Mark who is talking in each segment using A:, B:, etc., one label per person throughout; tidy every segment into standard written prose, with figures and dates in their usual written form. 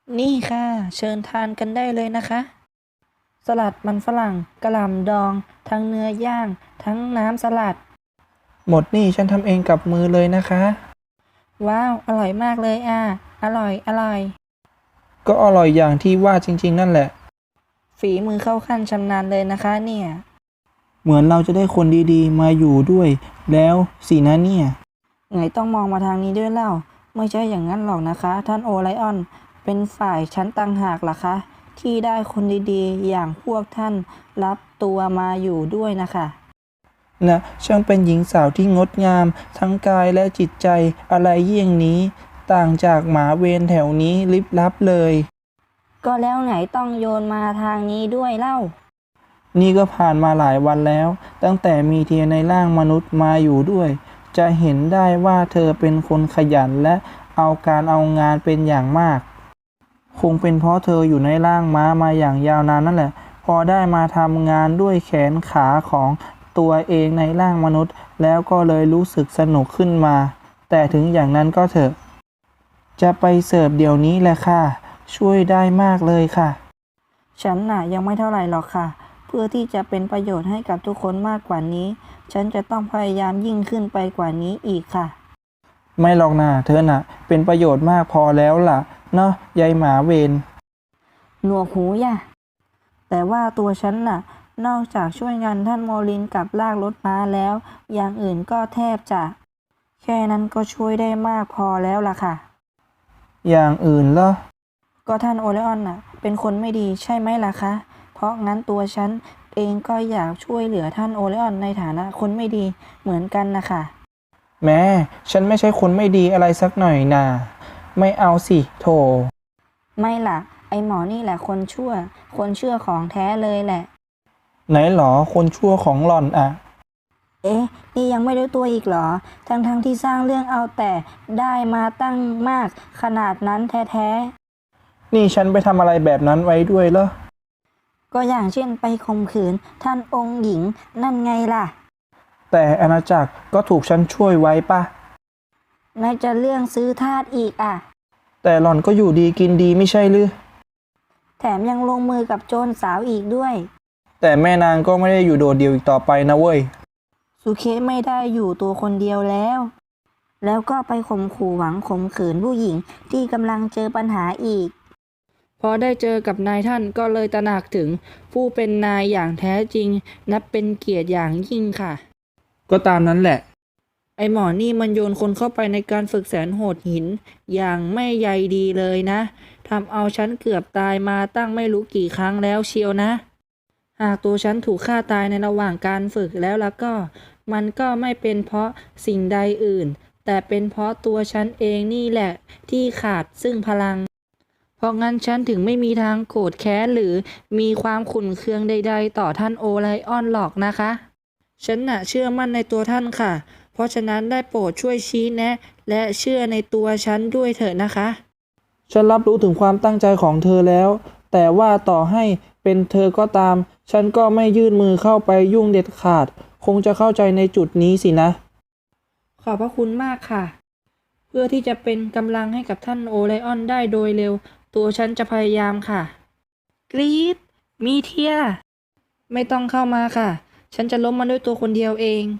A: นี่ค่ะเชิญทานกันได้เลยนะคะสลัดมันฝรั่งกะหล่ำดองทั้งเนื้อย่างทั้งน้ำสลัด
B: หมดนี่ฉันทำเองกับมือเลยนะคะ
A: ว้าวอร่อยมากเลยอร่อยอร่อย
B: ก็อร่อยอย่างที่ว่าจริงๆนั่นแหละ
A: ฝีมือเข้าขั้นชำนาญเลยนะคะเนี่ย
B: เหมือนเราจะได้คนดีๆมาอยู่ด้วยแล้วสินะเนี่ย
A: ไงต้องมองมาทางนี้ด้วยเล่าไม่ใช่อย่างนั้นหรอกนะคะท่านโอไลออนเป็นฝ่ายชั้นต่างหากล่ะคะที่ได้คนดีๆอย่างพวกท่านรับตัวมาอยู่ด้วยนะคะ
B: นะช่างเป็นหญิงสาวที่งดงามทั้งกายและจิตใจอะไรเยี่ยงนี้ต่างจากหมาเวรแถวนี้ลิบลับเลย
A: ก็แล้วไหนต้องโยนมาทางนี้ด้วยเล่า
B: นี่ก็ผ่านมาหลายวันแล้วตั้งแต่มีเทียในร่างมนุษย์มาอยู่ด้วยจะเห็นได้ว่าเธอเป็นคนขยันและเอาการเอางานเป็นอย่างมากคงเป็นเพราะเธออยู่ในร่างม้ามาอย่างยาวนานนั่นแหละพอได้มาทำงานด้วยแขนขาของตัวเองในร่างมนุษย์แล้วก็เลยรู้สึกสนุกขึ้นมาแต่ถึงอย่างนั้นก็เถอะจะไปเสิร์ฟเดี๋ยวนี้แหละค่ะช่วยได้มากเลยค่ะ
A: ฉันน่ะยังไม่เท่าไหร่หรอกค่ะเพื่อที่จะเป็นประโยชน์ให้กับทุกคนมากกว่านี้ฉันจะต้องพยายามยิ่งขึ้นไปกว่านี้อีกค่ะ
B: ไม่หรอกนะเธอน่ะเป็นประโยชน์มากพอแล้วล่ะเนาะยายหมาเวร
A: หนวกหูย่ะแต่ว่าตัวฉันน่ะนอกจากช่วยงานท่านโมลินกับลากรถม้าแล้วอย่างอื่นก็แทบจะแค่นั้นก็ช่วยได้มากพอแล้วล่ะค่ะ
B: อย่างอื่นเหรอ
A: ก็ท่านโอเลออนน่ะเป็นคนไม่ดีใช่ไหมล่ะคะเพราะงั้นตัวฉันเองก็อยากช่วยเหลือท่านโอเลออนในฐานะคนไม่ดีเหมือนกันนะคะ
B: แม่ฉันไม่ใช่คนไม่ดีอะไรสักหน่อยนาไม่เอาสิโถ
A: ไม่ล่ะไอหมอนี่แหละคนชั่วคนเชื่อของแท้เลยแหละ
B: ไหนหรอคนชั่วของหล่อนอะ
A: เอ๊ะนี่ยังไม่รู้ตัวอีกเหรอทั้งที่สร้างเรื่องเอาแต่ได้มาตั้งมากขนาดนั้นแท้
B: นี่ฉันไปทำอะไรแบบนั้นไว้ด้วยเหรอ
A: ๆก็อย่างเช่นไปข่มขืนท่านองค์หญิงนั่นไงล่ะ
B: แต่อาณาจักรก็ถูกฉันช่วยไว้ปะ
A: ไหนจะเรื่องซื้อทาสอีก
B: แต่หล่อนก็อยู่ดีกินดีไม่ใช่หรือ
A: แถมยังลงมือกับโจรสาวอีกด้วย
B: แต่แม่นางก็ไม่ได้อยู่โดดเดี่ยวอีกต่อไปนะเว้ย
A: สุเคสไม่ได้อยู่ตัวคนเดียวแล้วก็ไปข่มขู่หวังข่มขืนผู้หญิงที่กำลังเจอปัญหาอีกพอได้เจอกับนายท่านก็เลยตระหนักถึงผู้เป็นนายอย่างแท้จริงนับเป็นเกียรติอย่างยิ่งค่ะ
B: ก็ตามนั้นแหละ
A: ไอหมอนี่มันโยนคนเข้าไปในการฝึกแสนโหดหินอย่างไม่ใยดีเลยนะทำเอาฉันเกือบตายมาตั้งไม่รู้กี่ครั้งแล้วเชียวนะหากตัวฉันถูกฆ่าตายในระหว่างการฝึกแล้วก็มันก็ไม่เป็นเพราะสิ่งใดอื่นแต่เป็นเพราะตัวฉันเองนี่แหละที่ขาดซึ่งพลังเพราะงั้นฉันถึงไม่มีทางโกรธแค้นหรือมีความขุ่นเคืองใดๆต่อท่านโอไลออนหรอกนะคะฉันน่ะเชื่อมั่นในตัวท่านค่ะเพราะฉะนั้นได้โปรดช่วยชี้แนะและเชื่อในตัวฉันด้วยเถอะนะคะ
B: ฉันรับรู้ถึงความตั้งใจของเธอแล้วแต่ว่าต่อให้เป็นเธอก็ตามฉันก็ไม่ยื่นมือเข้าไปยุ่งเด็ดขาดคงจะเข้าใจในจุดนี้สินะ
A: ขอบพระคุณมากค่ะเพื่อที่จะเป็นกำลังให้กับท่านโอไลออนได้โดยเร็วตัวฉันจะพยายามค่ะกรี๊ดมีเทียไม่ต้องเข้ามาค่ะฉันจะล้มมันด้วยตัวคนเดียวเอง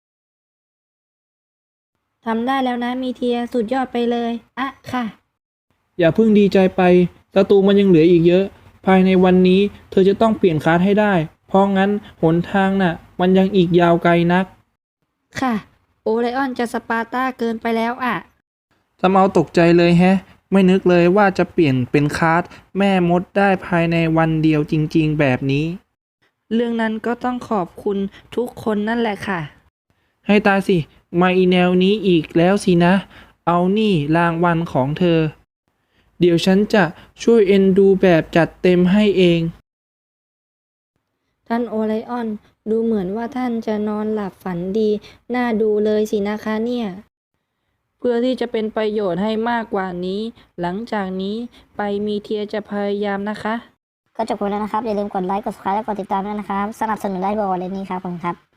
A: ทำได้แล้วนะมีเทียสุดยอดไปเลยค่ะ
B: อย่าเพิ่งดีใจไปศัตรูมันยังเหลืออีกเยอะ ภายในวันนี้เธอจะต้องเปลี่ยนคลาสให้ได้ เพราะงั้นหนทางน่ะมันยังอีกยาวไกลนัก
A: ค่ะโอไลออนจะสปาร์ต้าเกินไปแล้ว
B: ทำเอาตกใจเลยแฮะ ไม่นึกเลยว่าจะเปลี่ยนเป็นคลาสแม่มดได้ภายในวันเดียวจริงๆแบบนี้
A: เรื่องนั้นก็ต้องขอบคุณทุกคนนั่นแหละค่ะ
B: ให้ตายสิ มาอีแนวนี้อีกแล้วสินะ เอานี่รางวัลของเธอ เดี๋ยวฉันจะช่วยเอ็นดูแบบจัดเต็มให้เอง
A: ท่านโอไลออนดูเหมือนว่าท่านจะนอนหลับฝันดีน่าดูเลยสินะคะเนี่ยเพื่อที่จะเป็นประโยชน์ให้มากกว่านี้ หลังจากนี้ไปมีเทียจะพยายามนะคะ
C: ก็จบไปแล้วนะครับอย่าลืมกดไลค์กด subscribe และกดติดตามด้วยนะครับสนับสนุนได้บริเวณนี้ครับผมครับ